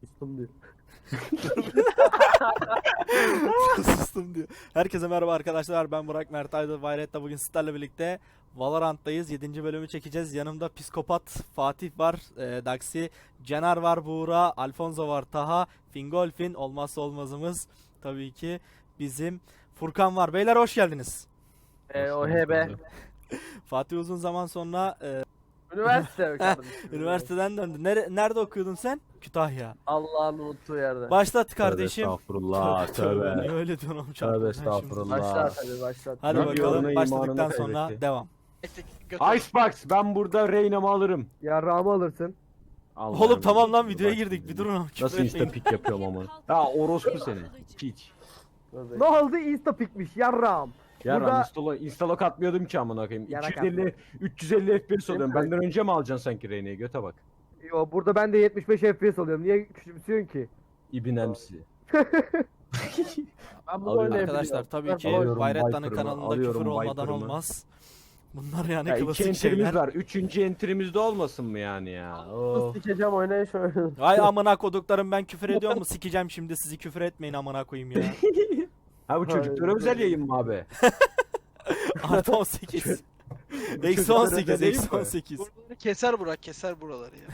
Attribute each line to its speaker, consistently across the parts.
Speaker 1: Sustum diyor.
Speaker 2: Sustum diyor. Herkese merhaba arkadaşlar. Ben Burak Mert Aydın Bayret'te bugün sizlerle birlikte Valorant'tayız. 7. bölümü çekeceğiz. Yanımda Psikopat Fatih var, Daxi, Cener var, Buğra, Alfonso var, Taha, Fingolfin, olmazsa olmazımız tabii ki bizim Furkan var. Beyler hoş geldiniz.
Speaker 1: OHB.
Speaker 2: Fatih uzun zaman sonra
Speaker 1: Üniversite kardeşim.
Speaker 2: üniversiteden döndü. Nerede okuyordun sen? Kütahya.
Speaker 1: Allah'ın unuttuğu yerde.
Speaker 2: Başlat kardeşim.
Speaker 3: Estağfurullah, tövbe.
Speaker 2: Niye öyle diyorsun oğlum?
Speaker 3: Tövbe
Speaker 2: Ben şimdi-
Speaker 3: estağfurullah.
Speaker 1: Başlat hadi başlat.
Speaker 2: Hadi
Speaker 3: Ne
Speaker 2: bakalım.
Speaker 3: diyorsun,
Speaker 2: Başladıktan
Speaker 3: imanını
Speaker 2: sonra
Speaker 3: kaybetti.
Speaker 2: devam.
Speaker 3: Icebox, ben burada Reyna'mı alırım.
Speaker 1: Yarrağımı alırsın.
Speaker 3: Allah
Speaker 2: Oğlum
Speaker 3: rahmet
Speaker 2: tamam lan
Speaker 3: eylesin,
Speaker 2: videoya
Speaker 3: bak
Speaker 2: girdik.
Speaker 3: şimdi.
Speaker 2: Bir durun.
Speaker 3: Nasıl insta pick yapıyorum ama. Ya orospu senin. Piç.
Speaker 1: Ne oldu? Insta pikmiş yarrağım.
Speaker 3: Ya
Speaker 1: Burada-
Speaker 3: instalok atmıyordum ki amına koyayım.
Speaker 1: Yarak
Speaker 3: 350 FPS alıyorum.
Speaker 1: Değil mi?
Speaker 3: Benden önce mi alacaksın sanki Reyna'yı? Göte bak.
Speaker 1: Yo burada ben de 75 FPS alıyorum. Niye küçümsüyorsun ki?
Speaker 3: İbinemsi.
Speaker 1: Ben
Speaker 3: Alıyorum.
Speaker 2: Arkadaşlar tabii ki
Speaker 3: Alıyorum
Speaker 2: Bayrettan'ın
Speaker 3: Viper'ımı,
Speaker 2: kanalında
Speaker 3: alıyorum
Speaker 2: küfür olmadan
Speaker 3: Viper'ımı.
Speaker 2: olmaz. Bunlar yani
Speaker 3: Ya iki
Speaker 2: klasik
Speaker 3: enterimiz
Speaker 2: şeyler.
Speaker 3: var. Üçüncü enterimizde olmasın mı yani ya? Oh.
Speaker 1: Sikeceğim oynayın şöyle.
Speaker 2: Vay amına koduklarım, ben küfür ediyor mu? Sikeceğim şimdi, sizi küfür etmeyin amına koyayım ya.
Speaker 3: Ha bu çocuklara özel yayın mı abi?
Speaker 2: Artı 18. Eksi
Speaker 3: çocuklara
Speaker 2: 18.
Speaker 3: özel değil
Speaker 2: Eksi
Speaker 3: mi?
Speaker 2: 18.
Speaker 4: Buraları keser Burak, keser buraları ya.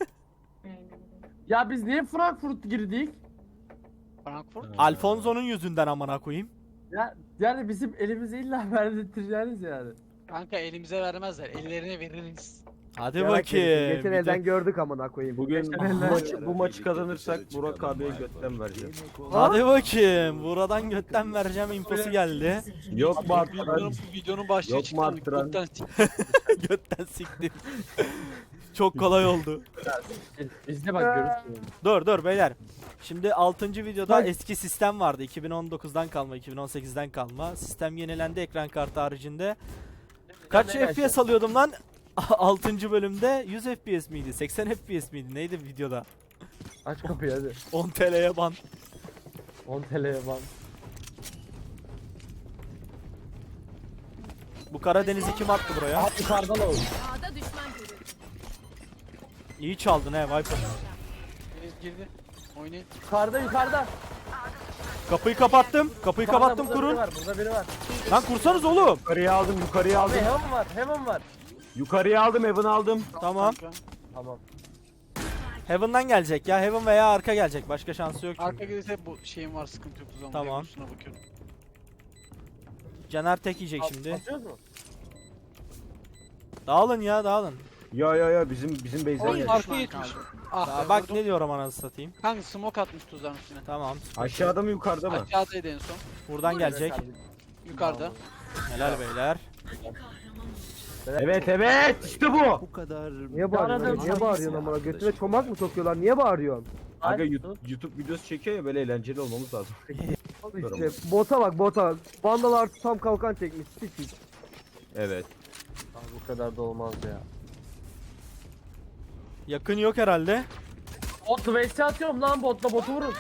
Speaker 5: Ya biz niye Frankfurt girdik?
Speaker 4: Frankfurt.
Speaker 2: Alfonso'nun yüzünden amına koyayım.
Speaker 5: Ya yani bizim elimize illa verdirteceğiniz yani.
Speaker 4: Kanka elimize vermezler, ellerine veririz.
Speaker 2: Hadi
Speaker 1: Yarak
Speaker 2: bakayım.
Speaker 1: herif. Geçen
Speaker 2: Bir de-
Speaker 1: elden gördük amına koyayım.
Speaker 3: Bugün bu maçı kazanırsak Burak abiye götten vereceğim.
Speaker 2: Hadi bakayım. Buradan götten vereceğim infosu geldi.
Speaker 3: Yok mu arttıran?
Speaker 4: Bu videonun başlığı
Speaker 3: Yok mu
Speaker 4: çıktı.
Speaker 3: arttıran?
Speaker 2: Götten siktim. Çok kolay oldu.
Speaker 5: Bizde bak görürsün.
Speaker 2: Dur beyler. Şimdi 6. videoda
Speaker 1: Bak.
Speaker 2: eski sistem vardı. 2019'dan kalma, 2018'den kalma. Sistem yenilendi ekran kartı haricinde. Kaç
Speaker 5: Ne
Speaker 2: FPS alıyordum lan? 6. bölümde 100 FPS miydi? 80 FPS miydi? Neydi videoda?
Speaker 1: Aç kapıyı hadi.
Speaker 2: 10 TL'ye ban.
Speaker 1: 10 TL'ye ban.
Speaker 2: Bu Karadeniz'i kim attı buraya?
Speaker 5: Yukarıdan ol.
Speaker 6: A'da düşman görüldü.
Speaker 2: İyi çaldın he Viper.
Speaker 4: Deniz girdi. Oynayın.
Speaker 5: Yukarıda.
Speaker 2: Kapıyı kapattım. Kapıyı kapattım,
Speaker 5: Burada
Speaker 2: kurun.
Speaker 5: biri var, burada biri var.
Speaker 2: Lan kursanız oğlum.
Speaker 3: Yukarıya aldım, yukarıya aldım.
Speaker 5: Heaven var.
Speaker 3: Yukarıya aldım, Evan aldım.
Speaker 2: Tamam.
Speaker 4: Kanka.
Speaker 5: Tamam.
Speaker 2: Heaven'dan gelecek ya. Heaven veya arka gelecek. Başka şansı yok çünkü.
Speaker 4: Arka gelirse bu şeyim var, sıkıntı yok o zaman.
Speaker 2: Tamam.
Speaker 4: Üstüne bakıyorum.
Speaker 2: Caner tek yiyecek şimdi.
Speaker 5: Atıyoruz mu?
Speaker 2: Dağılın ya, dağılın.
Speaker 3: Ya bizim base'den
Speaker 4: Oğlum
Speaker 3: geldi.
Speaker 4: arka yetmiş. Ah
Speaker 2: Aa,
Speaker 4: be,
Speaker 2: bak
Speaker 4: vurdum.
Speaker 2: ne diyorum anasını satayım.
Speaker 4: Kanka smoke atmış tuzağın üstüne.
Speaker 2: Tamam.
Speaker 3: Aşağıda mı yukarıda mı?
Speaker 4: Aşağıdaydı en son.
Speaker 2: Buradan gelecek.
Speaker 4: Yukarıda.
Speaker 2: Helal beyler.
Speaker 3: Evet işte bu.
Speaker 1: Niye bağırıyorsun? Niye bağırıyorsun amına? Götüne çomak mı sokuyorlar? Niye bağırıyorsun?
Speaker 3: Aga YouTube videosu çekiyor ya, böyle eğlenceli olmamız lazım.
Speaker 1: İşte bota bak bota. Vandal artı tam kalkan çekmiş. Sikik.
Speaker 3: Evet.
Speaker 5: Abi bu kadar da olmaz ya.
Speaker 2: Yakın yok herhalde.
Speaker 5: Bot vs atıyorum lan botla botu vurun.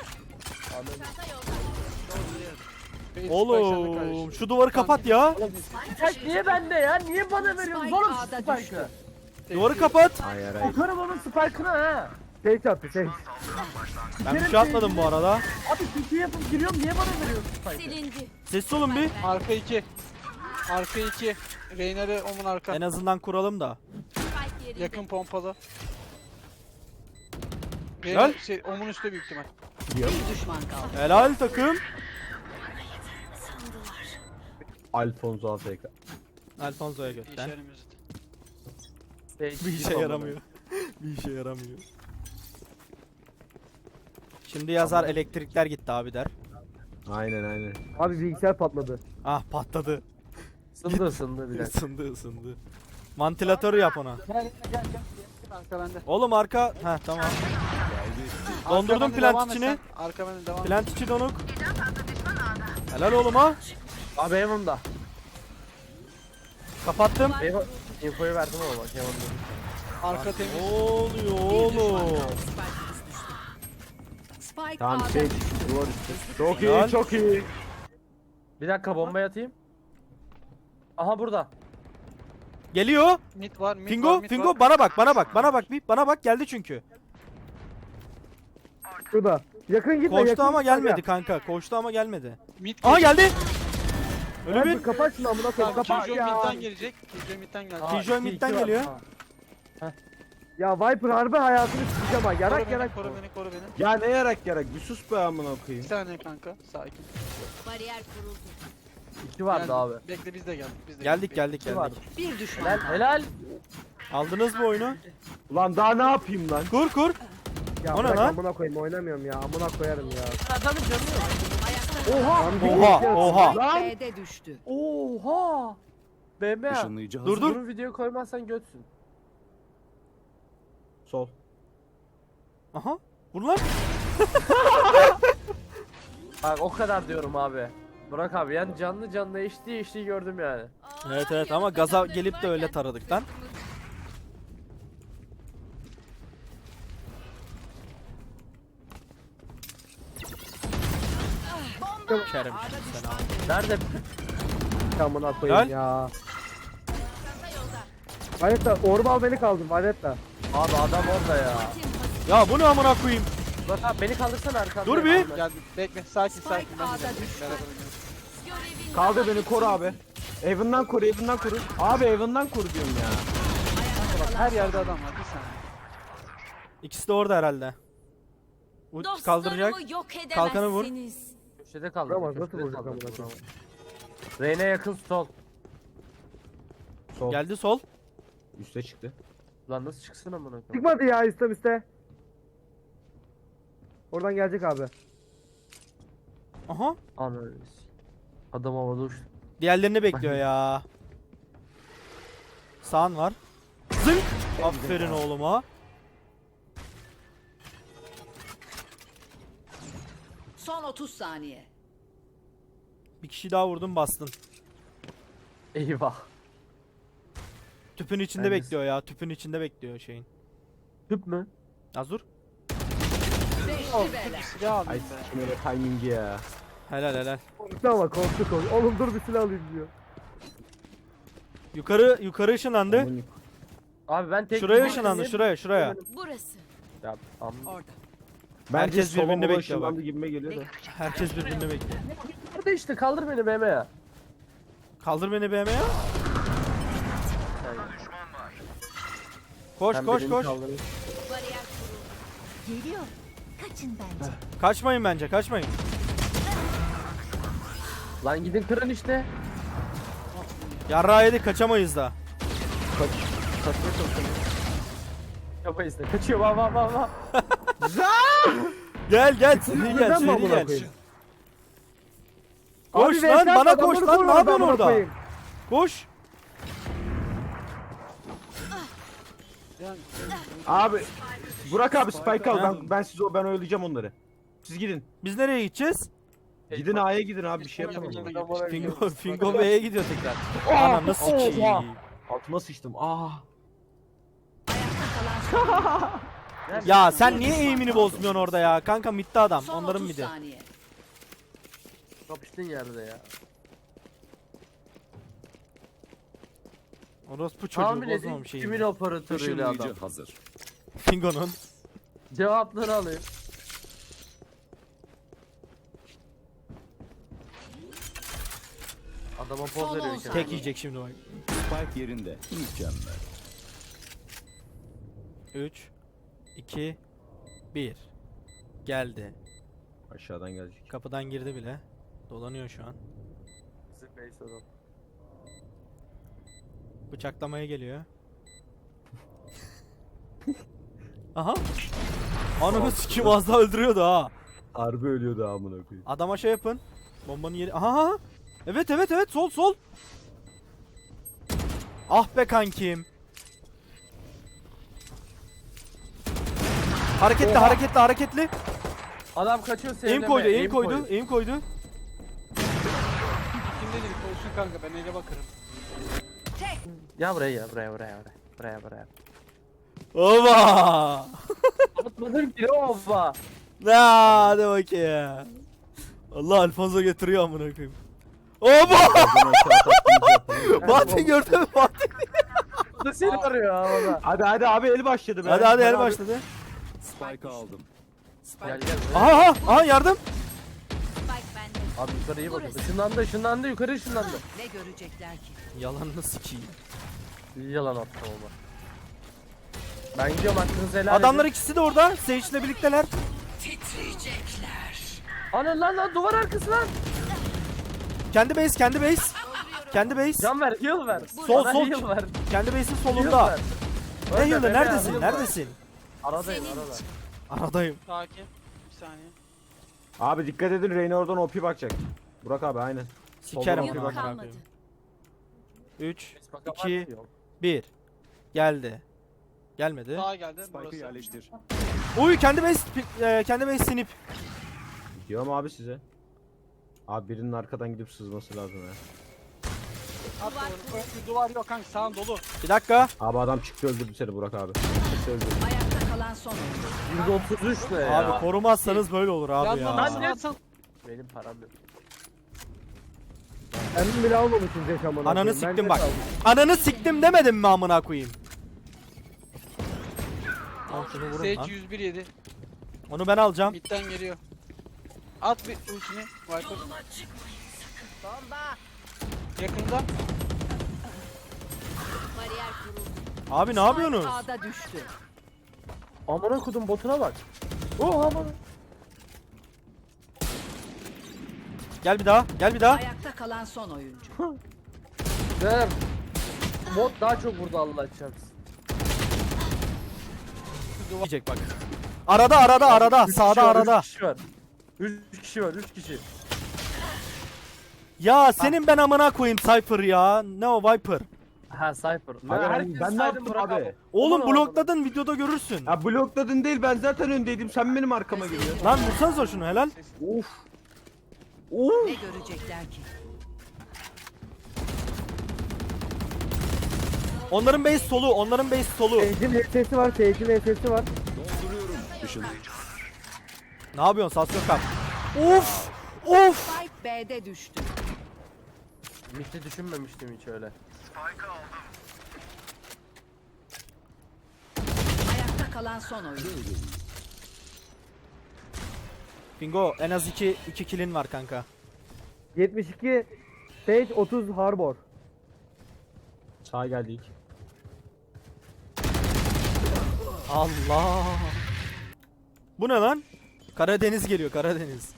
Speaker 4: Base
Speaker 2: Oğlum
Speaker 4: başladı
Speaker 2: şu duvarı kapat ya.
Speaker 5: Spike niye bende ya? Niye bana veriyorsun?
Speaker 6: Spike
Speaker 5: Oğlum
Speaker 6: A'da
Speaker 5: Spike'ı.
Speaker 6: düştü.
Speaker 2: Duvarı kapat.
Speaker 3: Hayır.
Speaker 5: Okarım onun Spike'ını ha.
Speaker 1: Şey çarptı şey.
Speaker 2: Ben bir şey atmadım bu arada.
Speaker 5: Abi TP yapıp giriyorum niye bana veriyorsun Spike'ı?
Speaker 6: Silindi.
Speaker 2: Sessiz olun bir.
Speaker 4: Arka 2. Arka 2. Reynar'ı omun arka.
Speaker 2: En azından kuralım da.
Speaker 6: Spike yerinde.
Speaker 4: Yakın pompalı.
Speaker 2: Lan.
Speaker 4: Reynar şey omun üstte büyük ihtimal.
Speaker 6: Bir düşman kaldı.
Speaker 2: Helal takım.
Speaker 3: Alfonso AFK.
Speaker 2: Alfonso'ya
Speaker 4: Bir
Speaker 2: götten.
Speaker 4: işe yaramıyor zaten.
Speaker 2: Bir işe yaramıyor. Bir işe yaramıyor. Şimdi yazar elektrikler gitti abi der.
Speaker 3: Aynen.
Speaker 1: Abi bilgisayar patladı.
Speaker 2: Ah patladı.
Speaker 5: Isındı bir dakika.
Speaker 2: Isındı. Mantilatörü yap ona.
Speaker 4: Gel. Arka bende.
Speaker 2: Oğlum arka. Heh tamam.
Speaker 4: Arka
Speaker 2: Dondurdum
Speaker 4: bende,
Speaker 2: plant
Speaker 4: devam et
Speaker 2: içini.
Speaker 4: sen. Arka bende devam et.
Speaker 2: Plant içi donuk. Helal oğlum ha.
Speaker 5: Abi Heaven'da.
Speaker 2: Kapattım.
Speaker 5: Infoyu verdim ama bak Heaven'da.
Speaker 4: Arka temiz.
Speaker 2: Ne oluyor oğlum?
Speaker 6: Spike
Speaker 3: Tamam
Speaker 6: A'da
Speaker 3: şey
Speaker 6: düştü.
Speaker 3: duvar üstü. Çok
Speaker 2: Helal.
Speaker 3: iyi, çok iyi.
Speaker 5: Bir dakika bombayı atayım. Aha burada.
Speaker 2: Geliyor.
Speaker 4: Mid var, mid var,
Speaker 2: Fingo,
Speaker 4: mid
Speaker 2: Fingo
Speaker 4: var.
Speaker 2: bana bak. Bana bak geldi çünkü.
Speaker 1: Şurada. Yakın gitme.
Speaker 2: Koştu
Speaker 1: yakın
Speaker 2: ama
Speaker 1: gitme
Speaker 2: gelmedi
Speaker 1: aga.
Speaker 2: kanka. Koştu ama gelmedi.
Speaker 4: Mid
Speaker 2: Aha geldi.
Speaker 1: Hadi
Speaker 2: Ölü bir.
Speaker 1: kapat şunu amına koyayım.
Speaker 4: Tamam,
Speaker 1: Kapat
Speaker 4: Killjoy
Speaker 1: ya.
Speaker 4: midden gelecek. Killjoy midden gelecek.
Speaker 5: Aa,
Speaker 2: Killjoy
Speaker 5: iki-
Speaker 2: midden
Speaker 5: iki var.
Speaker 2: geliyor.
Speaker 5: Aa,
Speaker 1: Ya Viper harbi hayatını sikeceğim ha.
Speaker 4: Koru
Speaker 1: Yarak
Speaker 4: beni,
Speaker 1: yarak.
Speaker 4: koru beni, koru beni.
Speaker 3: Ya ne yarak bir sus be amına
Speaker 4: Bir
Speaker 3: koyayım.
Speaker 4: saniye kanka, sakin.
Speaker 6: Bariyer kuruldu.
Speaker 5: İki vardı
Speaker 4: Geldik.
Speaker 5: abi.
Speaker 4: Bekle biz de geldik. Biz de
Speaker 2: Geldik geldik
Speaker 5: İki vardı.
Speaker 2: geldik.
Speaker 6: Bir düşman
Speaker 5: Helal
Speaker 6: kaldı.
Speaker 5: helal.
Speaker 2: Aldınız mı oyunu?
Speaker 3: Ulan daha ne yapayım lan?
Speaker 2: Kur kur.
Speaker 1: Ya
Speaker 2: O ne
Speaker 1: bırak
Speaker 2: lan?
Speaker 1: amına koyayım oynamıyorum ya. Amına koyarım ya.
Speaker 5: Adamın canı yok.
Speaker 6: Ayakta
Speaker 1: Lan bir
Speaker 2: Oha,
Speaker 1: iki arası.
Speaker 2: oha.
Speaker 1: Lan.
Speaker 6: B'de düştü.
Speaker 5: Oha. BM.
Speaker 7: Işınlayıcı
Speaker 2: Dur dur.
Speaker 5: Bunun videoyu koymazsan götsün.
Speaker 3: Sol.
Speaker 2: Aha. Vur lan.
Speaker 5: Bak o kadar diyorum abi. Burak abi yani canlı canlı HD gördüm yani.
Speaker 2: Evet evet ama gaza gelip de öyle taradık lan. Kerem sen abi.
Speaker 5: Nerede?
Speaker 1: Amına koyayım
Speaker 2: Gel.
Speaker 1: ya. Valetta Orbal beni kaldır Valetta.
Speaker 5: Abi adam orada ya.
Speaker 2: Ya bu ne amına koyayım?
Speaker 5: Burak abi beni kaldırsana arkamda.
Speaker 2: Dur bir.
Speaker 4: Geldik. Bekle, sakin sakin. Ben de
Speaker 6: A'da
Speaker 4: geldim.
Speaker 6: düştü.
Speaker 4: Beraber oynuyoruz.
Speaker 3: Kaldır beni koru abi. Evan'dan koru, Evan'dan koru. Abi Evan'dan koru diyorum ya.
Speaker 4: Bak her yerde adam var. Bir saniye.
Speaker 2: İkisi de orada herhalde. Bu kaldıracak.
Speaker 6: Dostlarımı yok
Speaker 2: Kalkanı vur.
Speaker 6: edemezsiniz.
Speaker 5: Köşede kaldı.
Speaker 1: Vuramaz,
Speaker 5: köşede
Speaker 1: nasıl vuracak
Speaker 5: kaldı,
Speaker 1: amına
Speaker 5: vuramaz. Reyne yakın sol.
Speaker 3: Sol.
Speaker 2: Geldi sol.
Speaker 3: Üste çıktı.
Speaker 5: Lan nasıl çıksın amına koyayım?
Speaker 1: Çıkmadı ya istem iste. Oradan gelecek abi.
Speaker 2: Aha.
Speaker 5: Ananı. Adam havada uçtu.
Speaker 2: Diğerlerini bekliyor ya. Sağın var. Zınk. Aferin oğluma.
Speaker 6: Son 30 saniye.
Speaker 2: Bir kişi daha vurdun bastın.
Speaker 5: Eyvah.
Speaker 2: Tüpün içinde
Speaker 5: Ben de-
Speaker 2: bekliyor ya. Tüpün içinde bekliyor şeyin.
Speaker 5: Tüp mü?
Speaker 2: Az dur.
Speaker 6: Beşli bela.
Speaker 4: Silah
Speaker 3: Ay
Speaker 4: alayım be.
Speaker 3: sikim öyle timingi ya.
Speaker 2: Helal helal.
Speaker 1: Korktu ama korktu. Oğlum dur bir silah alayım diyor.
Speaker 2: Yukarı ışınlandı.
Speaker 3: Amına-
Speaker 5: Abi ben tek
Speaker 2: Şuraya
Speaker 5: bir-
Speaker 2: ışınlandı şuraya.
Speaker 6: Burası.
Speaker 5: Ya amma.
Speaker 6: Orada.
Speaker 3: Bence
Speaker 2: Herkes
Speaker 3: sola
Speaker 2: birbirini
Speaker 3: mola
Speaker 2: bekliyor bak.
Speaker 3: ışınlandı gibime geliyor da.
Speaker 2: Herkes birbirini bekliyor.
Speaker 5: Nerede işte kaldır beni BM ya.
Speaker 2: Kaldır beni BM ya. Koş
Speaker 5: Sen
Speaker 2: koş
Speaker 5: birini
Speaker 2: koş.
Speaker 5: kaldırın.
Speaker 6: Bariyer kuruldu. Geliyor. Kaçın bence.
Speaker 2: Kaçmayın bence kaçmayın.
Speaker 5: Lan gidin kırın işte.
Speaker 2: Yarrağı yedik kaçamayız da.
Speaker 5: Yapamayız da. Kaçıyor bak bak bak bak.
Speaker 2: Gel gel seri gel
Speaker 1: Neden mi
Speaker 2: seri
Speaker 1: amına
Speaker 2: gel.
Speaker 1: koyayım?
Speaker 2: Koş
Speaker 1: Abi
Speaker 2: lan
Speaker 1: VS
Speaker 2: bana
Speaker 1: adamları
Speaker 2: koş lan
Speaker 1: koru
Speaker 2: ne yapıyorsun
Speaker 1: amına
Speaker 2: orada?
Speaker 1: koyayım.
Speaker 2: Koş.
Speaker 4: Yani,
Speaker 3: Abi Burak abi Spike al.
Speaker 2: Ha.
Speaker 3: Ben oyalayacağım onları. Siz gidin.
Speaker 2: Biz nereye gideceğiz?
Speaker 3: Gidin A'ya gidin abi bir şey yapamam.
Speaker 2: Fingo B'ye gidiyor tekrar. Anam nasıl sikiyim.
Speaker 3: Altıma sıçtım. Ah.
Speaker 2: Ya sen niye eğimini bozmuyorsun orada ya? Kanka midde adam.
Speaker 6: Son
Speaker 2: Onların
Speaker 6: 30
Speaker 2: midi.
Speaker 6: saniye.
Speaker 5: Kapıştın yerde ya.
Speaker 2: Orospu çocuğu
Speaker 5: Tahmin edin
Speaker 2: bozmamış
Speaker 5: kimin
Speaker 2: eğimini.
Speaker 5: operatörüyle adam.
Speaker 7: Işınlayıcı hazır.
Speaker 2: Fingo'nun.
Speaker 5: Cevapları alayım. Adama poz
Speaker 6: Son
Speaker 5: veriyor
Speaker 6: on
Speaker 5: kendine.
Speaker 2: Tek yiyecek şimdi bak.
Speaker 7: Spike yerinde. Mükemmel.
Speaker 2: 3 2 1 Geldi.
Speaker 3: Aşağıdan gelecek.
Speaker 2: Kapıdan girdi bile. Dolanıyor şu an.
Speaker 5: Bizim base adam.
Speaker 2: Bıçaklamaya geliyor. Aha. Ananı sikim az daha öldürüyordu ha.
Speaker 3: Harbi ölüyordu amına koyayım.
Speaker 2: Adama şey yapın. Bombanın yeri. Aha. Evet evet evet sol sol. Ah be kankim. Hareketli hareketli hareketli.
Speaker 5: Adam kaçıyor
Speaker 2: Aim
Speaker 5: sevleme.
Speaker 2: koydu aim koydu aim koydu.
Speaker 4: kim dedi olsun kanka, ben ele bakarım.
Speaker 5: Ya buraya ya buraya.
Speaker 2: Oba.
Speaker 5: Atmadım ki oba.
Speaker 2: Hadi bakayım. Allah Alfonso getiriyor amına koyayım. Oba! Fatih gördün mü Fatih?
Speaker 5: Bu da seni arıyor havada.
Speaker 3: Hadi abi el başladı be.
Speaker 2: Hadi el
Speaker 3: Abi.
Speaker 2: başladı.
Speaker 7: Spike'ı aldım.
Speaker 5: Gel gel.
Speaker 2: Aha yardım.
Speaker 6: Spike bende.
Speaker 5: Abi yukarı iyi bakın.
Speaker 6: Burası.
Speaker 5: Işınlandı yukarı ışınlandı.
Speaker 6: Ne görecekler ki?
Speaker 2: Yalanını sikeyim.
Speaker 5: İyi yalan attım ama. Ben gidiyorum hakkınızı helal
Speaker 2: Adamlar
Speaker 5: edin.
Speaker 2: ikisi de orada. Sage'le birlikteler.
Speaker 5: Ana lan duvar arkası lan.
Speaker 2: Kendi base. Kendi base.
Speaker 5: Can ver heal ver.
Speaker 2: Sol,
Speaker 5: Bana
Speaker 2: sol.
Speaker 5: heal ver.
Speaker 2: Kendi base'in
Speaker 5: Heal
Speaker 2: solunda.
Speaker 5: ver.
Speaker 2: Ne
Speaker 5: Ölme
Speaker 2: heal'ı?
Speaker 5: be,
Speaker 2: Neredesin?
Speaker 5: heal ver.
Speaker 2: Neredesin?
Speaker 5: Aradayım arada.
Speaker 2: Aradayım.
Speaker 4: Sakin. Bir saniye.
Speaker 3: Abi dikkat edin, Reyna oradan OP bakacak. Burak abi aynen.
Speaker 2: Sikerim
Speaker 3: Soldan
Speaker 2: onu.
Speaker 3: bakıyor,
Speaker 2: amına
Speaker 6: kalmadı.
Speaker 2: koyayım. 3,
Speaker 5: Bak,
Speaker 2: 2, 1. Geldi. Gelmedi.
Speaker 4: Sağa geldi.
Speaker 7: Spike'ı
Speaker 4: Burası.
Speaker 7: yerleştir.
Speaker 2: Uy kendi base sinip.
Speaker 3: Diyorum abi size. Abi birinin arkadan gidip sızması lazım ya.
Speaker 4: At doğru. Önlü duvar yok kanka, sağın dolu.
Speaker 2: Bir dakika.
Speaker 3: Abi adam çıktı öldürdü seni Burak abi. Çıktı öldürdü.
Speaker 6: Ayakta kalan son oyuncu.
Speaker 5: 133 ne ya?
Speaker 2: Abi korumazsanız böyle olur abi
Speaker 4: Yandan
Speaker 2: ya.
Speaker 4: nasıl atsan?
Speaker 5: Benim param yok.
Speaker 1: Kendim bile almamışım Zek amına.
Speaker 2: Ananı
Speaker 1: koyayım. Ben
Speaker 2: siktim
Speaker 1: de
Speaker 2: bak.
Speaker 1: aldım.
Speaker 2: Ananı siktim demedim mi amına koyayım? Al şunu vurun lan.
Speaker 4: Sage 101 yedi.
Speaker 2: Onu ben alacağım.
Speaker 4: Midden geliyor. At bir ultini. Viper. Yakında.
Speaker 6: Bariyer kuruldu.
Speaker 2: Abi ne yapıyorsunuz?
Speaker 6: Ağda düştü.
Speaker 5: Amına kodum botuna bak. Oh aman.
Speaker 2: Gel bir daha. Gel bir daha.
Speaker 6: Ayakta kalan son oyuncu.
Speaker 5: Ver. Bot daha çok vurdu Allah çarpsın.
Speaker 2: Diyecek bak. Arada.
Speaker 5: Üç
Speaker 2: Sağda
Speaker 5: kişi var,
Speaker 2: arada.
Speaker 5: 3 kişi var. 3 kişi var 3 kişi.
Speaker 2: Ya senin ben amına koyayım Cypher ya. Ne o Viper?
Speaker 5: Ha Cypher.
Speaker 3: Abi ben ne yaptım abi?
Speaker 2: Oğlum
Speaker 5: Aman
Speaker 2: blokladın videoda görürsün.
Speaker 3: Ya blokladın değil, ben zaten öndeydim, sen benim arkama geliyorsun.
Speaker 2: Lan vursanıza şunu helal.
Speaker 3: Of.
Speaker 6: Ne görecekler ki?
Speaker 2: Onların base solu.
Speaker 1: Sage'in HS'si var. Sage'in HS'si var.
Speaker 7: Dolduruyorum. Işınlayıcı.
Speaker 2: Ne yapıyorsun Sasyokap? Of!
Speaker 6: Spike B'de düştü.
Speaker 5: Mid'i düşünmemiştim hiç öyle.
Speaker 6: Ayakta kalan son oyuncu.
Speaker 2: Bingo en az 2 kill'in var kanka.
Speaker 1: 72 Sage, 30 Harbor.
Speaker 3: Sağa geldik.
Speaker 2: Allah! Bu ne lan? Karadeniz geliyor Karadeniz.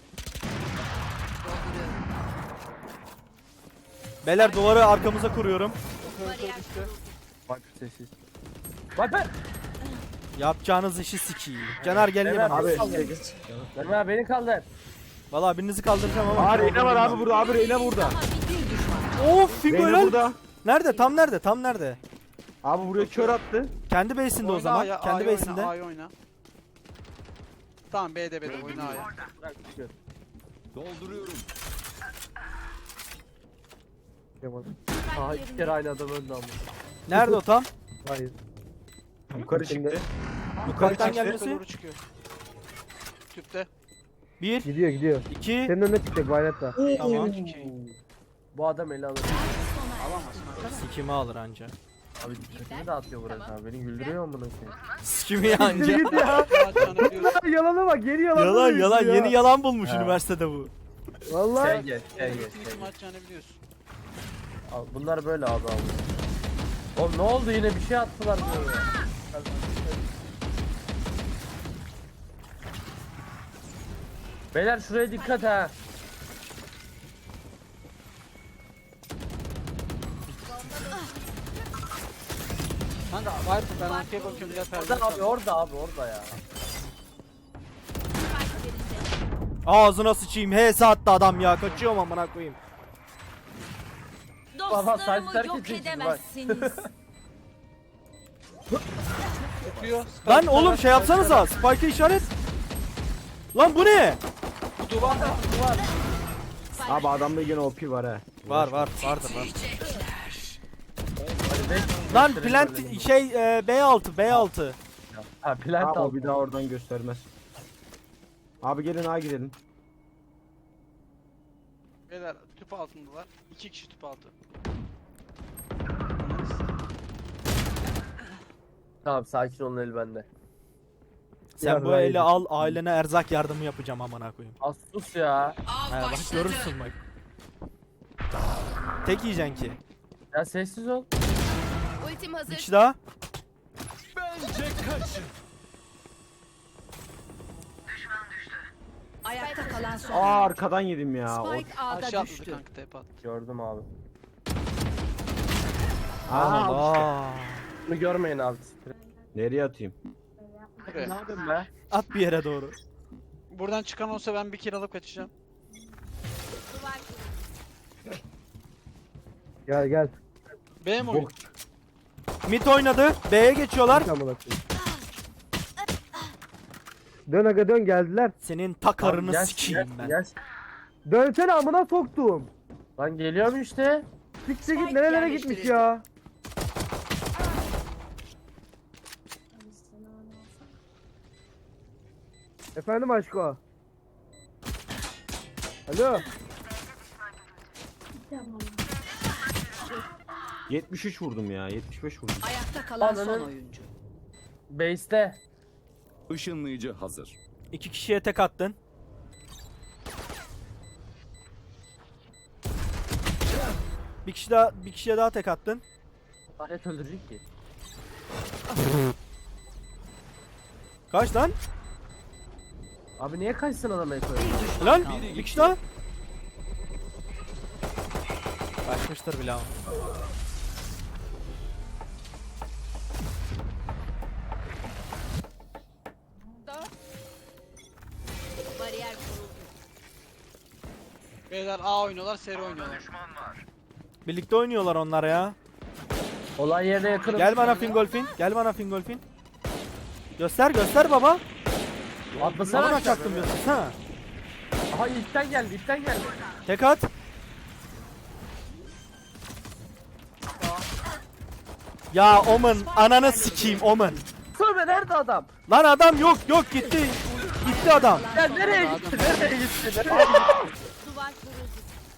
Speaker 2: Beyler duvarı arkamıza kuruyorum.
Speaker 5: Bak sessiz. Viper.
Speaker 2: Yapacağınız işi sikiyim. Caner gel
Speaker 5: Evet,
Speaker 2: bana.
Speaker 3: Abi.
Speaker 5: Verme beni kaldır.
Speaker 2: Valla birinizi kaldıracağım ama.
Speaker 3: Aa Reyna var abi burada, abi Reyna burada.
Speaker 6: Bir düşman.
Speaker 2: Of Bingo
Speaker 3: Reyna
Speaker 2: helal.
Speaker 3: burada.
Speaker 2: Nerede? Tam nerede?
Speaker 3: Abi buraya kör attı.
Speaker 2: Kendi base'inde o
Speaker 4: Oyna
Speaker 2: zaman.
Speaker 4: A'ya,
Speaker 2: Kendi
Speaker 4: A'ya
Speaker 2: base'inde.
Speaker 4: oyna, A'ya oyna. Tamam B'de oyna A'ya.
Speaker 5: Bırak çıkıyor.
Speaker 7: Dolduruyorum.
Speaker 5: Aha 2 kere aynı adam öldü ama.
Speaker 2: Nerede o tam?
Speaker 1: Hayır.
Speaker 3: Yukarı
Speaker 1: Şimdi-
Speaker 3: çıktı.
Speaker 2: Yukarıdan
Speaker 4: Tüpe
Speaker 2: gelmesi.
Speaker 4: doğru çıkıyor. Tüpte.
Speaker 2: 1,
Speaker 1: Gidiyor.
Speaker 2: 2.
Speaker 1: Senin önüne çıkacak Violet'ta.
Speaker 2: Tamam.
Speaker 5: Bu adam eli alır.
Speaker 4: Alamazsın arkadaş.
Speaker 2: Sikimi alır anca.
Speaker 5: Abi dikkatimi dağıtıyor burası abi. Beni güldürüyor mu bunu ki?
Speaker 2: Sikimi anca.
Speaker 1: Git ya.
Speaker 4: Maç canı biliyorsun.
Speaker 1: Yalana bak, yeni yalan.
Speaker 2: Yalan yeni yalan bulmuş
Speaker 5: Ha.
Speaker 2: üniversitede bu.
Speaker 1: Vallahi.
Speaker 5: Gel gel gel gel.
Speaker 4: Bütün maç canı biliyorsun.
Speaker 5: Al, bunlar böyle abi abi. Oğlum ne oldu yine bir şey attılar böyle. Beyler şuraya dikkat ha.
Speaker 4: Kanka Viper ben arkaya bakıyorum gel perde.
Speaker 5: Orada abi orada ya.
Speaker 2: Ağzına sıçayım. HS attı adam ya. Kaçıyorum amına koyayım.
Speaker 5: Baba, saçlar
Speaker 6: Dostlarımı yok
Speaker 5: kesilsin, bak.
Speaker 6: edemezsiniz.
Speaker 4: Tutuyor.
Speaker 2: Lan oğlum şey yapsanıza. Spike'ı işaret. Lan bu ne?
Speaker 4: Bu duvar var. Duvar.
Speaker 3: Abi adamda yine OP var ha.
Speaker 2: Vardır var.
Speaker 5: Hadi beş
Speaker 2: Lan
Speaker 5: gösterelim
Speaker 2: plant
Speaker 5: böyle.
Speaker 2: B6.
Speaker 5: Ha plant
Speaker 3: Ha, o
Speaker 5: aldı.
Speaker 3: bir daha oradan göstermez. Abi gelin A gidelim.
Speaker 4: Beyler tüp altındalar. 2 kişi tüp altı.
Speaker 5: Tamam sakin olun el bende.
Speaker 2: Sen
Speaker 1: Ya
Speaker 2: bu
Speaker 1: Raiden.
Speaker 2: eli al, ailene erzak yardımı yapacağım amına koyayım.
Speaker 5: Az sus ya.
Speaker 2: He bak görürsün bak. Tek yiyeceksin ki.
Speaker 5: Ya sessiz ol.
Speaker 6: Ultim
Speaker 2: Bir
Speaker 6: hazır.
Speaker 2: kişi daha.
Speaker 6: Ayakta kalan son
Speaker 3: Aa
Speaker 6: oyuncu.
Speaker 3: arkadan yedim ya.
Speaker 6: Spike A'da
Speaker 4: Aşağı atladı
Speaker 6: düştü.
Speaker 4: kanka tepe attı.
Speaker 5: Gördüm abi.
Speaker 2: Allah.
Speaker 5: Bunu görmeyin abi.
Speaker 3: Nereye atayım?
Speaker 4: Buraya.
Speaker 5: Ne yapayım be?
Speaker 2: At bir yere doğru.
Speaker 4: Buradan çıkan olsa ben bir kill alıp kaçacağım.
Speaker 1: Gel gel.
Speaker 4: B mi oyun?
Speaker 2: Mid oynadı. B'ye geçiyorlar.
Speaker 1: Amına koyayım. Dön aga dön geldiler.
Speaker 2: Senin takarını
Speaker 5: Gel,
Speaker 2: sikeyim
Speaker 5: gel,
Speaker 2: ben.
Speaker 5: gel.
Speaker 1: Dönsene amına soktum.
Speaker 5: Lan geliyorum işte.
Speaker 1: Siktir git
Speaker 6: Spike
Speaker 1: nerelere
Speaker 6: yerleştirildi.
Speaker 1: gitmiş ya. Efendim aşko. Alo.
Speaker 3: 73 vurdum ya. 75 vurdum.
Speaker 6: Ayakta kalan son
Speaker 5: Ananın-
Speaker 6: oyuncu.
Speaker 5: Base'te.
Speaker 7: Işınlayıcı hazır.
Speaker 2: 2 kişiye tek attın. Bir kişiye daha tek attın.
Speaker 5: Alet öldürecek ki.
Speaker 2: Kaç lan?
Speaker 5: Abi niye kaçsın adama ekoyu?
Speaker 2: Lan bir kişi daha. Kaçmıştır bile ama.
Speaker 6: Bariyer kuruldu.
Speaker 4: Beyler A oynuyorlar, seri oynuyorlar.
Speaker 2: Birlikte oynuyorlar onlar ya.
Speaker 5: Olay yerine yakınım.
Speaker 2: Gel bana Fingolfin. Gel bana Fingolfin. Göster baba.
Speaker 5: Atlasana
Speaker 2: Sana
Speaker 5: aşağı
Speaker 2: çaktım
Speaker 5: böyle.
Speaker 2: diyorsun ha.
Speaker 5: Aha ipten geldi ipten geldi.
Speaker 2: Tek at. Ya Omen ananı sikeyim Omen.
Speaker 5: Söyle nerede adam?
Speaker 2: Lan adam yok gitti. Gitti adam.
Speaker 5: Ya nereye gitti? Nereye gitti? Nereye gitti?
Speaker 6: Duvar kuruldu.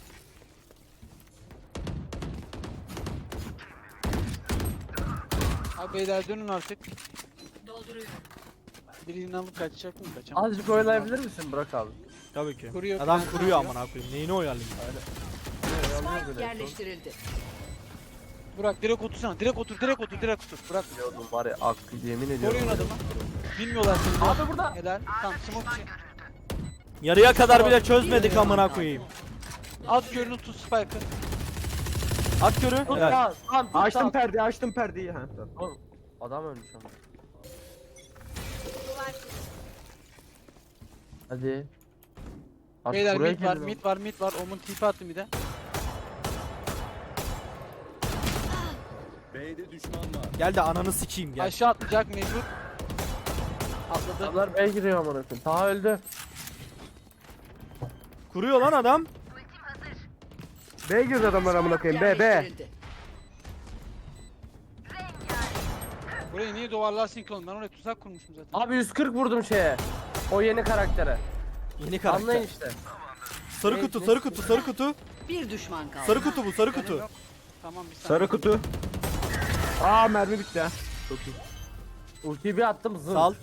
Speaker 4: Abi beyler dönün artık.
Speaker 6: Dolduruyorum.
Speaker 4: Birini alıp kaçacak mı? Kaçamam.
Speaker 5: Azıcık oynayabilir misin Burak abi?
Speaker 2: Tabii ki.
Speaker 4: Kuruyor,
Speaker 2: Adam
Speaker 4: plan
Speaker 2: kuruyor
Speaker 4: yapıyor.
Speaker 2: amına koyayım. Neyini oyalayayım?
Speaker 6: Spike yerleştirildi.
Speaker 4: Burak direkt otursana. Direkt otur. Burak
Speaker 5: Biliyordum var ya hakkı yemin ediyorum.
Speaker 4: koruyun adamı. Bilmiyorlar seni.
Speaker 5: Abi burada.
Speaker 4: Helal. Tamam smoke için.
Speaker 2: Yarıya kadar bile çözmedik amına koyayım.
Speaker 4: At körünü tut Spike'ı.
Speaker 2: At körü.
Speaker 5: Tut
Speaker 2: Evet.
Speaker 5: ya. Tamam tut.
Speaker 3: Açtım
Speaker 5: tamam.
Speaker 3: perdeyi, açtım perdeyi. Ha, tamam.
Speaker 5: Oğlum, adam ölmüş ama. Hadi. Artık
Speaker 4: Beyler
Speaker 5: buraya
Speaker 4: mid var,
Speaker 5: gelin
Speaker 4: mid var. Omun tipi attı mid'e.
Speaker 7: B'de düşman var.
Speaker 2: Gel de ananı sikeyim gel.
Speaker 4: Aşağı atlayacak mecbur. Atladı.
Speaker 5: Adamlar B'ye giriyor amına koyayım. Taha öldü.
Speaker 2: Kuruyor lan adam.
Speaker 1: B girdi adamlar amına koyayım. B.
Speaker 6: Yerleştirildi.
Speaker 4: Burayı niye duvarlarsın ki oğlum? Ben oraya tuzak kurmuşum zaten.
Speaker 5: Abi 140 vurdum şeye. O yeni karaktere.
Speaker 2: Yeni karakter.
Speaker 5: Anlayın işte.
Speaker 2: Sarı kutu.
Speaker 6: Bir düşman kaldı.
Speaker 2: Sarı kutu bu, sarı kutu.
Speaker 4: Canım yok. Tamam bir saniye.
Speaker 3: Sarı kutu. Aa mermi bitti ha. Çok iyi.
Speaker 5: Ultiyi bir attım zın.
Speaker 2: Sal.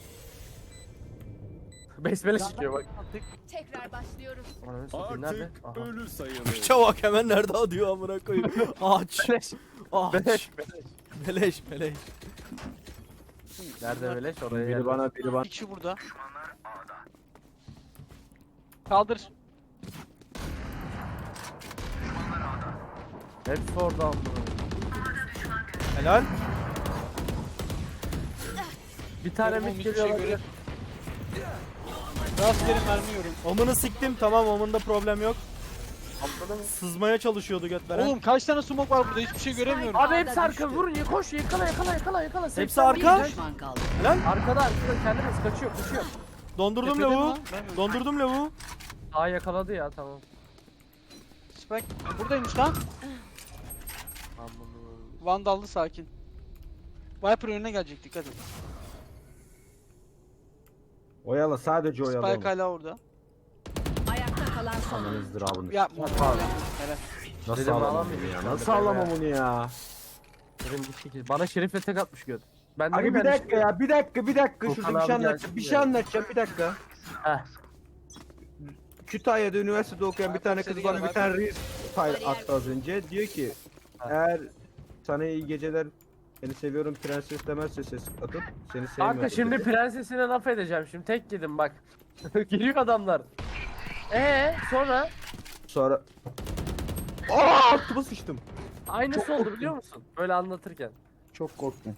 Speaker 5: Besmele çıkıyor bak.
Speaker 4: Attık.
Speaker 6: Tekrar başlıyoruz.
Speaker 5: Ananı satayım nerede?
Speaker 7: Artık
Speaker 5: Aha.
Speaker 7: ölü sayılır.
Speaker 2: Çabuk hemen nerede atıyor amına koyayım. Ağaç.
Speaker 5: Beleş.
Speaker 2: Ağaç.
Speaker 5: Beleş.
Speaker 2: Beleş.
Speaker 5: Nerede beleş? Oraya
Speaker 3: Biri
Speaker 5: geldi.
Speaker 3: biri bana.
Speaker 4: İkisi burada. Kaldır.
Speaker 5: Hepsi orada amına.
Speaker 2: Helal.
Speaker 5: Bir tane
Speaker 4: Oğlum,
Speaker 5: mid
Speaker 4: hiçbir
Speaker 5: geliyor
Speaker 4: şey
Speaker 5: olabilir.
Speaker 4: göremiyorum. Rastgele mermi yiyorum.
Speaker 2: Omun'u siktim tamam Omun'da problem yok.
Speaker 5: Atladı mı?
Speaker 2: Sızmaya çalışıyordu götveren.
Speaker 4: Oğlum kaç tane smoke var burada? Hiçbir şey göremiyorum.
Speaker 5: Abi hepsi
Speaker 6: Ağda
Speaker 5: arka
Speaker 6: düştü.
Speaker 5: vurun ya koş yakala.
Speaker 2: Hepsi
Speaker 5: 80
Speaker 2: arka.
Speaker 6: Bir düşman kaldı.
Speaker 2: Helal.
Speaker 5: Arkada kendiniz kaçıyor.
Speaker 2: Dondurdum
Speaker 4: Tepede mi
Speaker 2: lavuğu.
Speaker 4: lan? Ben mi?
Speaker 2: Dondurdum lavuğu.
Speaker 5: Aa yakaladı ya tamam.
Speaker 4: Spike buradaymış lan. Vandallı sakin. Viper önüne gelecek dikkat et.
Speaker 3: Oyala, sadece oyala.
Speaker 4: Spike hala orada.
Speaker 6: Ayakta kalan son oyuncu.
Speaker 3: Ananızdır abını.
Speaker 4: Yapma.
Speaker 5: Abi.
Speaker 4: Helal.
Speaker 3: Nasıl
Speaker 5: Dedim,
Speaker 3: alamam
Speaker 5: alamıyorum
Speaker 3: bunu ya?
Speaker 5: ben de
Speaker 3: Nasıl
Speaker 5: böyle
Speaker 3: alamam
Speaker 5: ya.
Speaker 3: onu ya?
Speaker 5: Benim bir şekil. Bana şerifle tek atmış göt. Ben
Speaker 3: Abi
Speaker 5: dedim
Speaker 3: bir
Speaker 5: ben
Speaker 3: dakika ya, bir dakika.
Speaker 5: Okan
Speaker 3: Şurada bir şey
Speaker 5: abi
Speaker 3: anlatacağım.
Speaker 5: gelsin
Speaker 3: Bir şey
Speaker 5: yani.
Speaker 3: anlatacağım, bir dakika.
Speaker 5: Heh.
Speaker 3: Kütahya'da üniversitede okuyan bir
Speaker 4: Viper
Speaker 3: tane
Speaker 4: seni
Speaker 3: kız bana
Speaker 4: gel,
Speaker 3: bir
Speaker 4: Viper.
Speaker 3: tane reels file attı az önce. Diyor ki eğer sana iyi geceler, seni seviyorum prenses demezse ses atıp seni sevmiyorum.
Speaker 5: Kanka şimdi
Speaker 3: dedi.
Speaker 5: prensesine laf edeceğim şimdi tek yedim bak. Giriyor adamlar. Sonra
Speaker 3: Sonra altıma sıçtım.
Speaker 5: aynısı oldu biliyor musun? Böyle anlatırken.
Speaker 3: Çok korktum.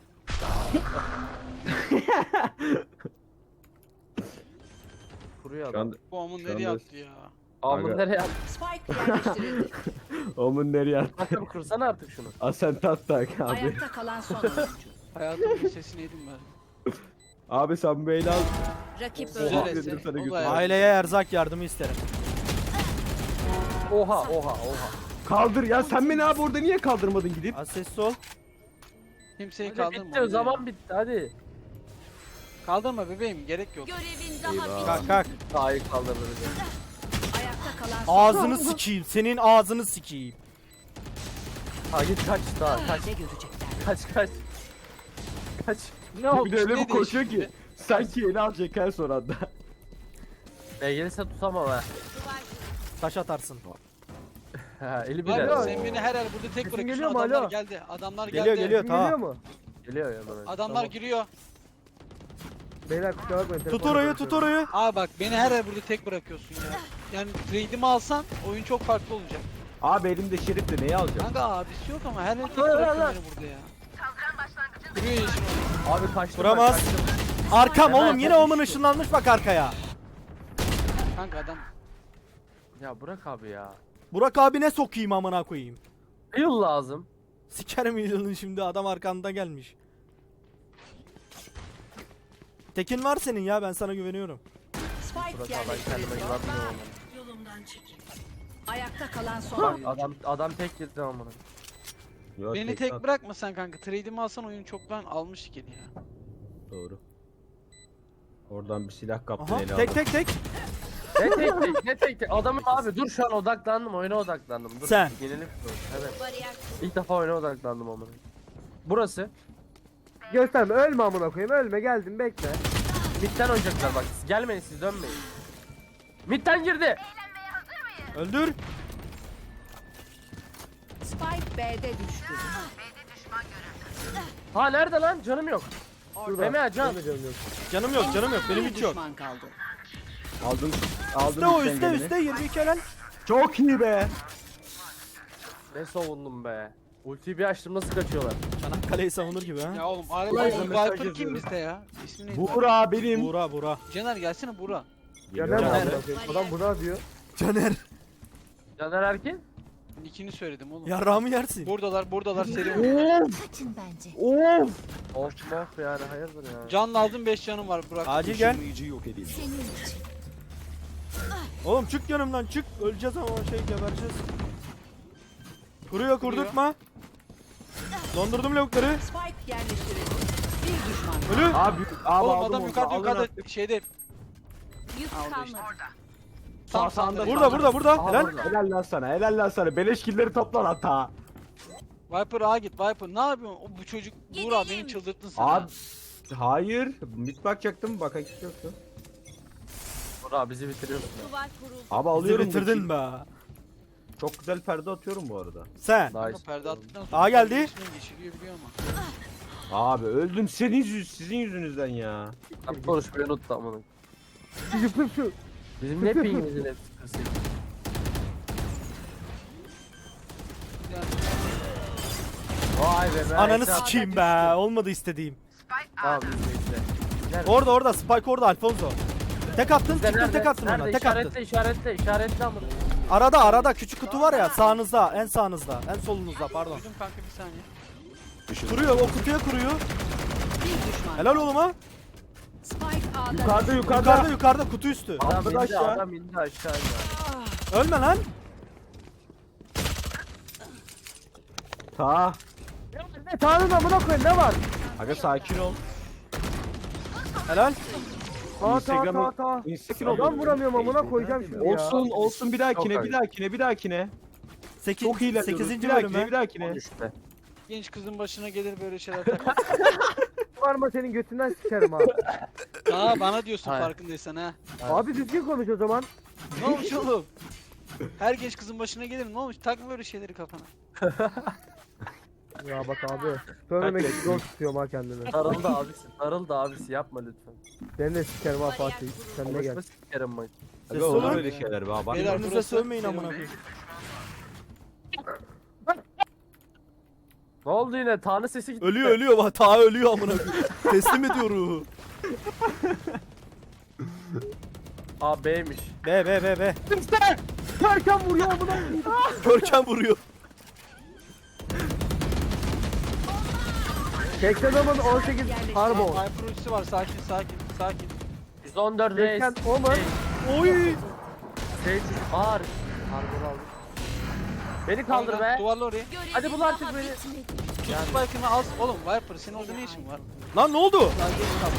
Speaker 5: Kuruyor
Speaker 3: Şu
Speaker 5: adam.
Speaker 3: anda
Speaker 4: Bu amın
Speaker 3: Şu
Speaker 4: nereye
Speaker 3: anda-
Speaker 4: attı ya?
Speaker 5: Amın
Speaker 3: Aga.
Speaker 5: nereye attı?
Speaker 6: Spike yerleştirildi.
Speaker 3: Omun nereye attı?
Speaker 5: Kanka kursana artık şunu.
Speaker 3: Asent attak abi.
Speaker 6: Ayakta kalan son oyuncu.
Speaker 4: Hayatımın sesini yedim ben.
Speaker 3: Abi sen böyle al.
Speaker 6: Rakip
Speaker 4: Güzel
Speaker 6: öldü.
Speaker 4: eser.
Speaker 3: sana
Speaker 4: O da
Speaker 3: götür.
Speaker 4: hayatım.
Speaker 2: Aileye erzak yardımı isterim.
Speaker 5: Oha.
Speaker 3: Kaldır ya, sen beni abi orada niye kaldırmadın gidip?
Speaker 2: Az sessiz ol.
Speaker 4: Kimseyi
Speaker 5: Hadi
Speaker 4: kaldırma.
Speaker 5: bitti o zaman bitti hadi.
Speaker 4: Kaldırma bebeğim, gerek yok.
Speaker 6: Görevin daha
Speaker 3: Eyvah.
Speaker 2: Kalk
Speaker 6: bitmedi.
Speaker 2: kalk.
Speaker 5: Daha iyi kaldırdı bizi.
Speaker 6: Ayakta kalan son
Speaker 2: Ağzını sikeyim. Senin ağzını sikeyim.
Speaker 5: Ha git kaç daha kaç
Speaker 6: Ne görecekler?
Speaker 5: kaç. Kaç. Ne oldu?
Speaker 3: Bir de öyle
Speaker 4: Ne
Speaker 3: bir koşuyor
Speaker 4: değişti?
Speaker 3: ki sanki eli alacak her son anda.
Speaker 5: Gelirse tutamam ha.
Speaker 2: Taş atarsın.
Speaker 5: Ha eli
Speaker 4: Var
Speaker 5: bile.
Speaker 4: ya, sen beni her yer burada tek
Speaker 1: Sesin
Speaker 4: bırakıyorsun.
Speaker 1: geliyor mu?
Speaker 4: Adamlar
Speaker 1: Alo?
Speaker 4: geldi. Adamlar
Speaker 2: Geliyor,
Speaker 4: geldi.
Speaker 2: geliyor.
Speaker 1: Geliyor
Speaker 2: Tamam.
Speaker 1: mu?
Speaker 5: Geliyor ya bana.
Speaker 4: Adamlar
Speaker 5: Tamam.
Speaker 4: giriyor.
Speaker 1: Beyler kusura bakmayın.
Speaker 2: Tut
Speaker 1: telefonla
Speaker 2: orayı
Speaker 1: konuşuyorum.
Speaker 2: tut orayı.
Speaker 4: Abi bak, beni her yer burada tek bırakıyorsun ya. Yani trade'imi alsan oyun çok farklı olacak.
Speaker 3: Abi elimde şerif de neyi alacağım?
Speaker 4: Kanka abisi yok ama her yer tek
Speaker 5: Lan, lan,
Speaker 4: bırakıyor
Speaker 5: lan.
Speaker 4: beni burada ya. Giriyor yeşil.
Speaker 5: Abi kaçtım.
Speaker 2: Vuramaz.
Speaker 5: ben, kaçtım.
Speaker 2: Arkam
Speaker 5: Hemen
Speaker 2: oğlum yine
Speaker 5: kaç
Speaker 2: omun
Speaker 5: düştü.
Speaker 2: ışınlanmış bak arkaya.
Speaker 4: Kanka adam.
Speaker 5: Ya bırak abi ya.
Speaker 2: Burak abine sokayım amına koyayım.
Speaker 5: Yıl lazım.
Speaker 2: Sikerim yılını şimdi adam arkanda gelmiş. Tekin var senin ya ben sana güveniyorum.
Speaker 6: Spike
Speaker 5: Burak abi ben kendime
Speaker 6: yerleştirildi.
Speaker 5: güvenmiyorum.
Speaker 6: Yolumdan çekil. Ayakta kalan son
Speaker 5: Bak
Speaker 6: oyuncu.
Speaker 5: adam tek girdi amına.
Speaker 3: Yok,
Speaker 4: Beni
Speaker 3: tekrar-
Speaker 4: tek bırakmasan kanka. Trade'imi alsan oyun çoktan almış ki ya.
Speaker 3: Doğru. Oradan bir silah kaptın
Speaker 2: Aha
Speaker 3: eli
Speaker 2: tek
Speaker 3: aldın.
Speaker 2: tek tek.
Speaker 5: Ne tek. Adamım abi dur şu an odaklandım oyuna odaklandım. Dur.
Speaker 2: Sen.
Speaker 5: Yenilik bu. Evet.
Speaker 6: Bariyer
Speaker 5: İlk defa oyuna odaklandım amına. Burası.
Speaker 1: Gösterme, ölme amına koyayım, ölme, geldim, bekle.
Speaker 5: Mid'den oynayacaklar bak. Gelmeyin siz dönmeyin. Mid'den girdi.
Speaker 2: Öldür.
Speaker 6: Spike B'de düştü.
Speaker 5: Ha nerede lan? Canım yok.
Speaker 1: Şurada.
Speaker 5: Meme can.
Speaker 1: Benim de canım yok.
Speaker 2: Canım yok benim
Speaker 6: Bir
Speaker 2: hiç yok.
Speaker 6: düşman kaldı.
Speaker 3: Aldın
Speaker 2: Üste o
Speaker 3: üstten
Speaker 2: üste
Speaker 3: geleni.
Speaker 2: üste 22 helal.
Speaker 3: Çok iyi be.
Speaker 5: Ne savundum be. Ultiyi bir açtım nasıl kaçıyorlar.
Speaker 2: Çanakkale'yi savunur gibi ha.
Speaker 4: Ya oğlum
Speaker 3: Ulan
Speaker 4: Viper
Speaker 3: mesaj
Speaker 4: kim
Speaker 3: yazıyorum.
Speaker 4: bizde ya? İsmi neydi?
Speaker 3: Buğra benim.
Speaker 2: Buğra.
Speaker 4: Caner gelsene Buğra.
Speaker 1: Ya
Speaker 3: Geliyorum
Speaker 1: ben
Speaker 3: abi.
Speaker 1: amına koyayım. Adam buna diyor.
Speaker 2: Caner.
Speaker 5: Caner Erkin.
Speaker 4: Nickini söyledim oğlum.
Speaker 2: Yarrağımı yersin.
Speaker 4: Buradalar seri oynuyor.
Speaker 6: Kaçın bence.
Speaker 3: Of.
Speaker 5: Of yani hayırdır ya.
Speaker 4: Can lazım, 5 canım var Burak.
Speaker 2: Acil gel.
Speaker 7: Işınlayıcı yok edildi.
Speaker 6: Senin için.
Speaker 2: Oğlum çık yanımdan çık. Öleceğiz ama gebereceğiz. Kuruyor kurdurtma. Dondurdum lavukları.
Speaker 6: Spike yerleştirildi. Bir düşman kaldı.
Speaker 2: Ölü.
Speaker 3: Abi
Speaker 4: Oğlum
Speaker 3: aldım
Speaker 4: adam
Speaker 3: onu.
Speaker 4: yukarıda
Speaker 3: Alın
Speaker 4: yukarıda
Speaker 3: artık.
Speaker 4: şeyde.
Speaker 6: Yük
Speaker 4: Aldı
Speaker 6: kalmadı.
Speaker 4: işte.
Speaker 3: Sağ sağında.
Speaker 2: Burada.
Speaker 5: Aha,
Speaker 2: Helal.
Speaker 5: burada.
Speaker 3: Helal lan sana. Beleş killeri toplan hata.
Speaker 4: Viper A git Viper. Ne yapıyorsun? Bu çocuk Buğra beni çıldırttın sen.
Speaker 3: Abi hayır. Mid bakacaktım. Bakan kişi yoktu.
Speaker 5: Burak bizi bitiriyorsun.
Speaker 6: Duvar kuruldu.
Speaker 3: Abi
Speaker 2: Bizi
Speaker 3: alıyorum.
Speaker 2: bitirdin be.
Speaker 3: Çok güzel perde atıyorum bu arada.
Speaker 2: Sen.
Speaker 4: Kanka
Speaker 5: Nice.
Speaker 4: perde attıktan sonra
Speaker 2: A geldi.
Speaker 4: Yeşiliyor biliyor ama.
Speaker 3: Abi öldüm sizin yüzünüzden ya.
Speaker 5: Ben konuşmayı unuttum amına.
Speaker 1: Şu.
Speaker 5: Bizim ne pingimizin hepsi kısık. Vay be be.
Speaker 2: Ananı
Speaker 5: Ekran-
Speaker 2: sikeyim be. Olmadı istediğim.
Speaker 5: Tamam biz de işte.
Speaker 2: Orada Spike orada Alfonso. Tek attın
Speaker 5: Bizde
Speaker 2: çıktın
Speaker 5: nerede?
Speaker 2: tek attın ona
Speaker 5: Nerede?
Speaker 2: tek attın.
Speaker 5: İşaretle amına.
Speaker 2: Arada küçük kutu var ya sağınızda en sağınızda en solunuzda pardon.
Speaker 4: Duydum kanka bir saniye.
Speaker 2: Kuruyor o kutuya kuruyor.
Speaker 6: Bir düşman.
Speaker 2: Helal oğluma.
Speaker 6: Spike A'da
Speaker 3: Yukarıda
Speaker 2: Yukarıda kutu üstü.
Speaker 5: Adam indi
Speaker 3: aşağı.
Speaker 5: adam indi aşağı indi.
Speaker 2: Ölme lan.
Speaker 3: Ta.
Speaker 1: Ne Tanrı'nın amına koyayım, ne var?
Speaker 3: Aga sakin ol.
Speaker 2: Helal.
Speaker 1: Ta
Speaker 3: Instagram'a-
Speaker 1: ta.
Speaker 3: Sakin ol.
Speaker 1: Adam vuramıyorum amına koyacağım şimdi ya.
Speaker 3: Olsun bir dahakine. Çok iyi
Speaker 2: 8.
Speaker 3: bir
Speaker 2: bölüm ha.
Speaker 3: dahakine.
Speaker 5: İşte.
Speaker 4: Genç kızın başına gelir böyle şeyler takar.
Speaker 1: varma senin götünden sikerim ha.
Speaker 4: Aa bana diyorsun
Speaker 5: Hayır.
Speaker 4: farkındaysan ha.
Speaker 1: Abi düzgün konuş o zaman.
Speaker 4: Ne olmuş oğlum? Her genç kızın başına gelir ne olmuş? Takma böyle şeyleri kafana.
Speaker 1: Ya bak abi. Söylemek için zor tutuyorum ha kendimi.
Speaker 5: Darıldı abisi yapma lütfen.
Speaker 1: Seni de sikerim ha Fatih. Sen de gel.
Speaker 5: Konuşma sikerim bak.
Speaker 3: Aga olur öyle şeyler be abi.
Speaker 4: Beyler,
Speaker 2: Birbirinize
Speaker 4: burası
Speaker 2: sövmeyin
Speaker 4: benim
Speaker 2: amına
Speaker 4: evim.
Speaker 2: koyayım.
Speaker 5: Ne oldu yine? Tanrı sesi gitti.
Speaker 2: Ölüyor bak ta ölüyor amına koyayım. Teslim ediyor ruhu.
Speaker 5: Aa B'ymiş.
Speaker 2: B.
Speaker 1: Görkem vuruyor amına.
Speaker 2: Görkem vuruyor.
Speaker 1: 80 zaman 18 Harbo.
Speaker 4: Viper ultisi var sakin.
Speaker 5: 114 reis.
Speaker 1: 80 Omen.
Speaker 2: Oy.
Speaker 5: Sage ağır. Harbor aldım. Beni kaldır be.
Speaker 4: Duvarla oraya.
Speaker 5: Hadi bul artık beni.
Speaker 4: Tut spike'ını al. Oğlum Viper senin orada ne işin var?
Speaker 2: Lan ne oldu?
Speaker 4: Daha geç kal.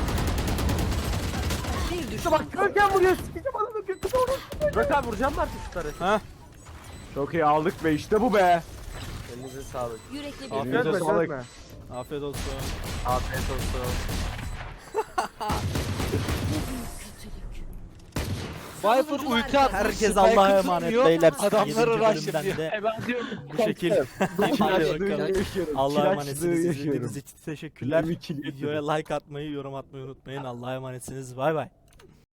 Speaker 6: Bir düşman
Speaker 1: Bak Görkem vuruyor. Sikeceğim adamı götü doğru.
Speaker 5: Burak abi vuracağım mı artık şutları?
Speaker 2: Ha?
Speaker 3: Çok iyi aldık be işte bu be.
Speaker 5: Elinize sağlık.
Speaker 6: yürekli bir
Speaker 2: Afiyet
Speaker 1: Çözme
Speaker 2: olsun.
Speaker 1: çözme.
Speaker 2: Afiyet olsun.
Speaker 5: Afiyet olsun.
Speaker 4: Viper ulti atmış.
Speaker 2: Herkes
Speaker 4: spike'ı
Speaker 2: Allah'a emanet
Speaker 4: tutmuyor,
Speaker 2: beyler.
Speaker 4: Adamları
Speaker 2: 7.
Speaker 4: rush
Speaker 2: bölümden
Speaker 4: yapıyor.
Speaker 2: de
Speaker 5: Ben diyorum.
Speaker 2: bu şekil. Hadi bakalım. Allah'a emanetsiniz. İzlediğiniz için teşekkürler. Videoya like atmayı, yorum atmayı unutmayın. Allah'a emanetsiniz. Bay bay.